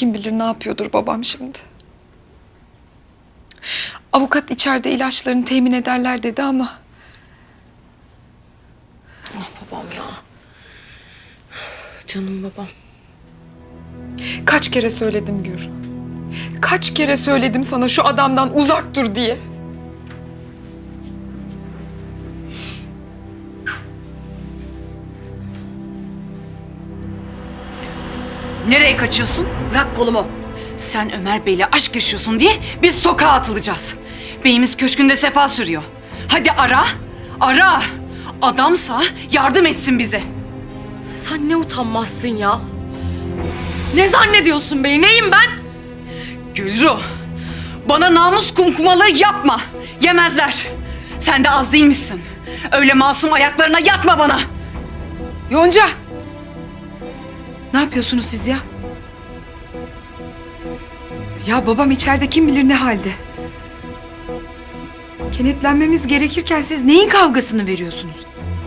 kim bilir ne yapıyordur babam şimdi. Avukat içeride ilaçlarını temin ederler dedi ama... Ah babam ya. Canım babam. Kaç kere söyledim Gür. Kaç kere söyledim sana şu adamdan uzak dur diye. Nereye kaçıyorsun? Bırak kolumu. Sen Ömer Bey'le aşk yaşıyorsun diye biz sokağa atılacağız. Beyimiz köşkünde sefa sürüyor. Hadi ara, ara. Adamsa yardım etsin bize. Sen ne utanmazsın ya. Ne zannediyorsun beni? Neyim ben? Gülru, bana namus kumkumalığı yapma. Yemezler. Sen de az değilmişsin. Öyle masum ayaklarına yatma bana. Yonca! Ne yapıyorsunuz siz ya? Ya babam içeride kim bilir ne halde. Kenetlenmemiz gerekirken siz neyin kavgasını veriyorsunuz?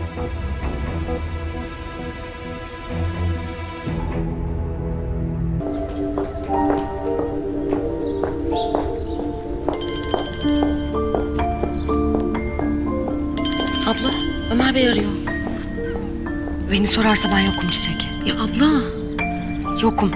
Abla, Ömer Bey arıyor. Beni sorarsa ben yokum Çiçek. Ya abla. Yokum.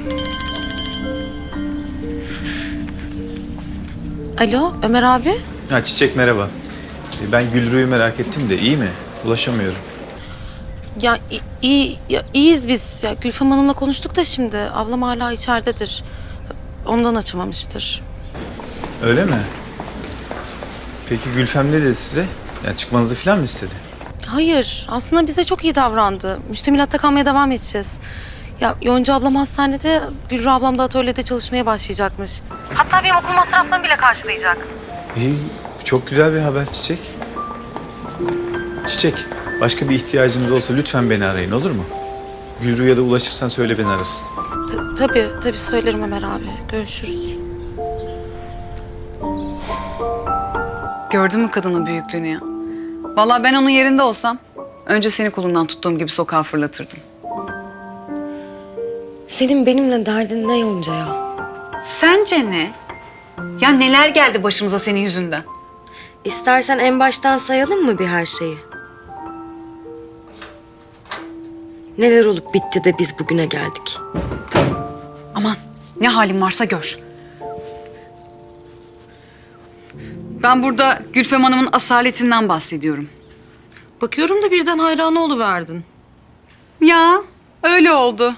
Alo Ömer abi. Ha Çiçek merhaba. Ben Gülru'yu merak ettim de iyi mi? Ulaşamıyorum. Ya iyi ya, iyiyiz biz. Ya Gülfem Hanım'la konuştuk da şimdi. Ablam hala içeridedir. Ondan açamamıştır. Öyle mi? Peki Gülfem ne dedi size? Ya çıkmanızı falan mı istedi? Hayır aslında bize çok iyi davrandı. Müştemilatta kalmaya devam edeceğiz. Ya Yonca ablam hastanede, Gülru ablam da atölyede çalışmaya başlayacakmış. Hatta benim okul masraflarımı bile karşılayacak. İyi, çok güzel bir haber Çiçek. Çiçek, başka bir ihtiyacınız olsa lütfen beni arayın olur mu? Gülru'ya da ulaşırsan söyle beni arasın. Tabii söylerim Ömer abi. Görüşürüz. Gördün mü kadının büyüklüğünü ya? Vallahi ben onun yerinde olsam önce seni kolundan tuttuğum gibi sokağa fırlatırdım. Senin benimle derdin ne Yonca ya? Sence ne? Ya neler geldi başımıza senin yüzünden? İstersen en baştan sayalım mı bir her şeyi? Neler olup bitti de biz bugüne geldik? Aman ne halin varsa gör. Ben burada Gülfem Hanım'ın asaletinden bahsediyorum. Bakıyorum da birden hayran oluverdin. Ya öyle oldu.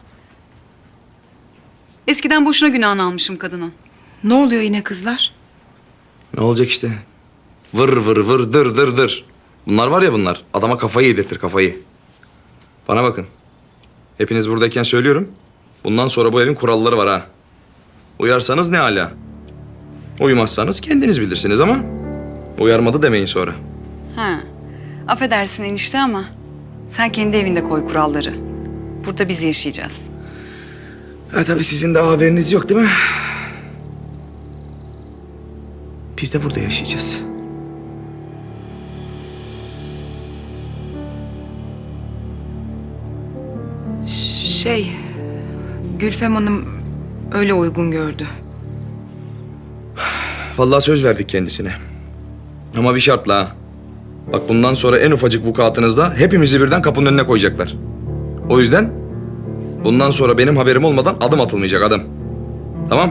Eskiden boşuna günahını almışım kadının. Ne oluyor yine kızlar? Ne olacak işte? Vır vır vır dır dır dır. Bunlar var ya bunlar. Adama kafayı yedirtir kafayı. Bana bakın. Hepiniz buradayken söylüyorum. Bundan sonra bu evin kuralları var ha. Uyarsanız ne hala. Uymazsanız kendiniz bilirsiniz ama uyarmadı demeyin sonra. Ha. Affedersin enişte ama sen kendi evinde koy kuralları. Burada biz yaşayacağız. Ha tabii sizin de haberiniz yok değil mi? Biz de burada yaşayacağız. Gülfem Hanım öyle uygun gördü. Vallahi söz verdik kendisine. Ama bir şartla ha. Bak bundan sonra en ufacık vukuatınızda hepimizi birden kapının önüne koyacaklar. O yüzden bundan sonra benim haberim olmadan adım atılmayacak adım. Tamam?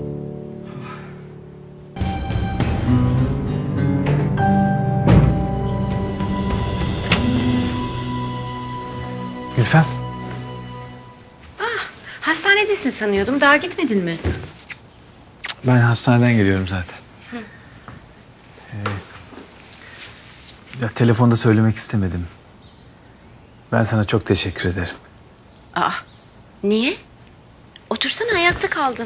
Gülfem. Hastanedesin sanıyordum. Daha gitmedin mi? Ben hastaneden geliyorum zaten. Ya telefonda söylemek istemedim. Ben sana çok teşekkür ederim. Aa, niye? Otursana, ayakta kaldın.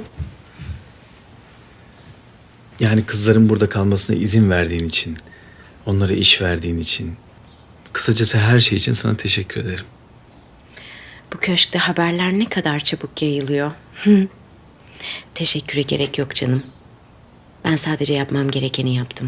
Yani kızların burada kalmasına izin verdiğin için, onlara iş verdiğin için, kısacası her şey için sana teşekkür ederim. Bu köşkte haberler ne kadar çabuk yayılıyor. Teşekküre gerek yok canım. Ben sadece yapmam gerekeni yaptım.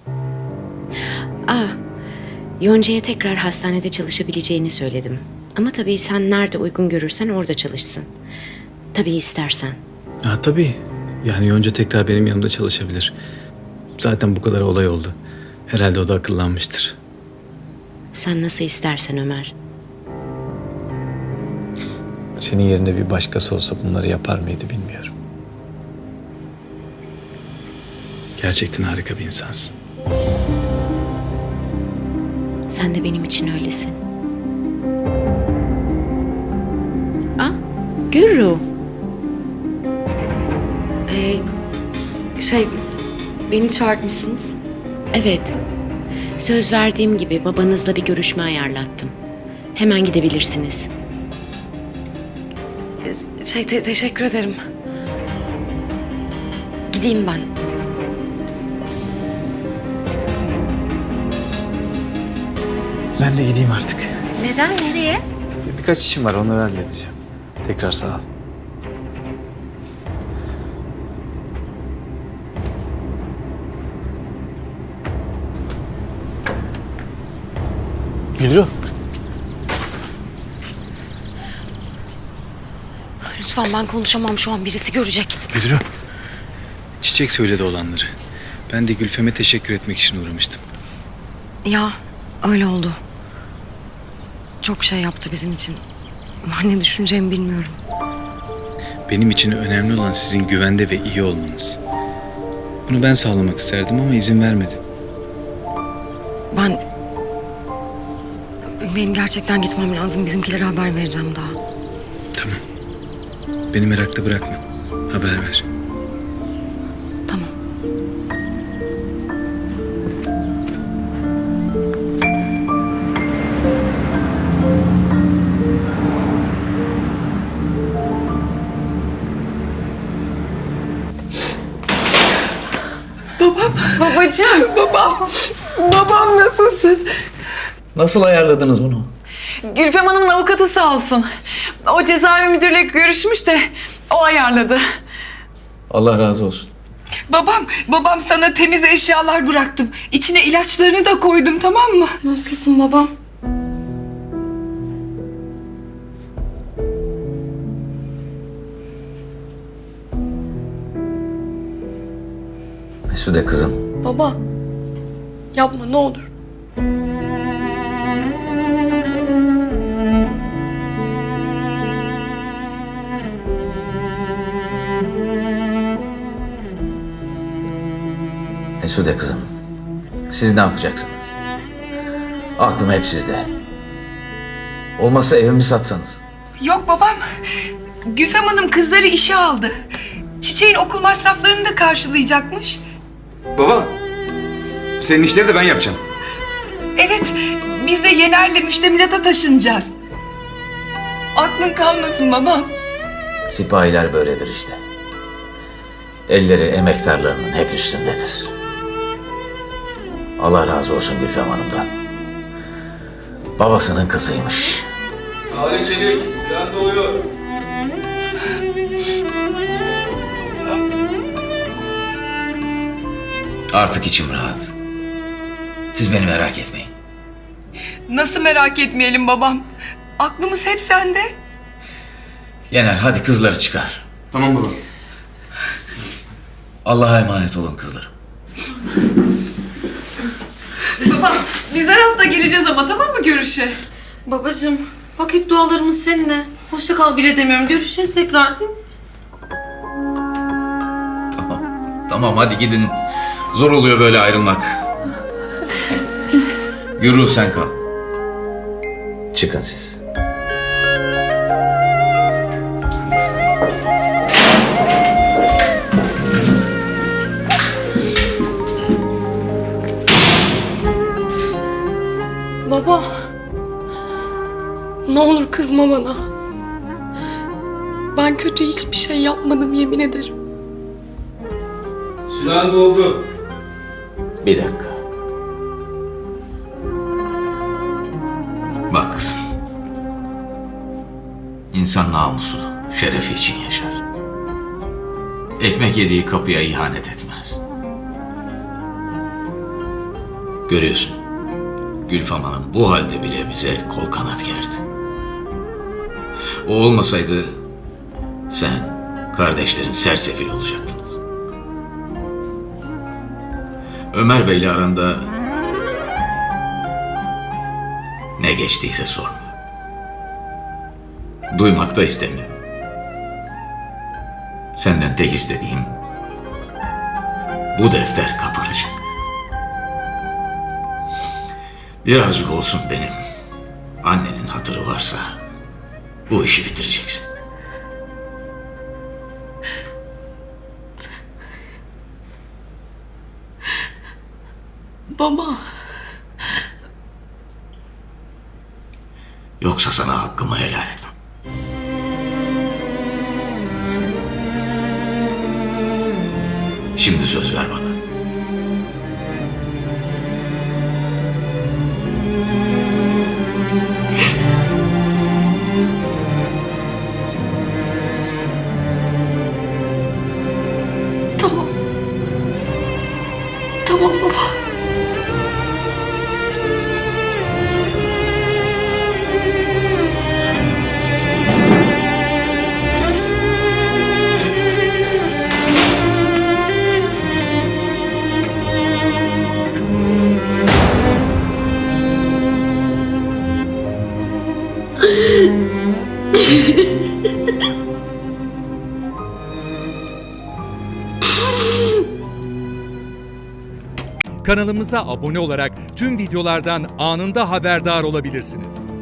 Yonca'ya tekrar hastanede çalışabileceğini söyledim. Ama tabii sen nerede uygun görürsen orada çalışsın. Tabii istersen. Ha tabii. Yani Yonca tekrar benim yanımda çalışabilir. Zaten bu kadar olay oldu. Herhalde o da akıllanmıştır. Sen nasıl istersen Ömer. Senin yerinde bir başkası olsa bunları yapar mıydı bilmiyorum. Gerçekten harika bir insansın. Sen de benim için öylesin. Ah, Gürru. Beni çağırtmışsınız. Evet. Söz verdiğim gibi babanızla bir görüşme ayarlattım. Hemen gidebilirsiniz. Teşekkür ederim. Gideyim ben. Ben de gideyim artık. Neden? Nereye? Birkaç işim var, onları halledeceğim. Tekrar sağ ol. Gülru. Lütfen, ben konuşamam şu an. Birisi görecek. Gülru. Çiçek söyledi olanları. Ben de Gülfem'e teşekkür etmek için uğramıştım. Ya öyle oldu. Çok şey yaptı bizim için. Ne düşüneceğimi bilmiyorum. Benim için önemli olan sizin güvende ve iyi olmanız. Bunu ben sağlamak isterdim ama izin vermedi. Benim gerçekten gitmem lazım. Bizimkilere haber vereceğim daha. Tamam. Beni merakta bırakma. Haber ver. Tamam. Babacığım. Babam nasılsın? Nasıl ayarladınız bunu? Gülfem Hanım'ın avukatı sağ olsun. O cezaevi müdürüyle görüşmüş de o ayarladı. Allah razı olsun. Babam sana temiz eşyalar bıraktım. İçine ilaçlarını da koydum, tamam mı? Nasılsın babam? Mesude kızım. Baba. Yapma ne olur. Mesude kızım. Siz ne yapacaksınız? Aklım hep sizde. Olmazsa evimi satsanız. Yok babam. Güfem Hanım kızları işe aldı. Çiçeğin okul masraflarını da karşılayacakmış. Baba, senin işleri de ben yapacağım. Evet, biz de Yener'le müştemilata taşınacağız. Aklın kalmasın babam. Sipahiler böyledir işte. Elleri emektarlarının hep üstündedir. Allah razı olsun Gülfem Hanım'dan. Babasının kızıymış. Ali Çelik, plan doğuyor. Artık içim rahat. Siz beni merak etmeyin. Nasıl merak etmeyelim babam? Aklımız hep sende. Yener hadi kızları çıkar. Tamam baba. Allah'a emanet olun kızlarım. Baba biz her hafta geleceğiz ama tamam mı görüşe? Babacığım bak hep dualarımız seninle. Hoşça kal bile demiyorum. Görüşeceğiz tekrar değil mi? Tamam hadi gidin. Zor oluyor böyle ayrılmak. Gürru sen kal. Çıkın siz. Baba. Ne olur kızma bana. Ben kötü hiçbir şey yapmadım, yemin ederim. Süren doldu. Bir dakika. Bak kızım. İnsan namusu, şerefi için yaşar. Ekmek yediği kapıya ihanet etmez. Görüyorsun. Gülfem Hanım bu halde bile bize kol kanat gerdi. O olmasaydı sen, kardeşlerin sersefil olacaktınız. Ömer Bey'le aranda ne geçtiyse sorma. Duymak da istemiyorum. Senden tek istediğim bu defter kapanacak. Birazcık olsun benim annenin hatırı varsa bu işi bitireceksin. Baba. Yoksa sana hakkımı helal etmem. Şimdi söz ver bana. Tamam. Tamam baba. Kanalımıza abone olarak tüm videolardan anında haberdar olabilirsiniz.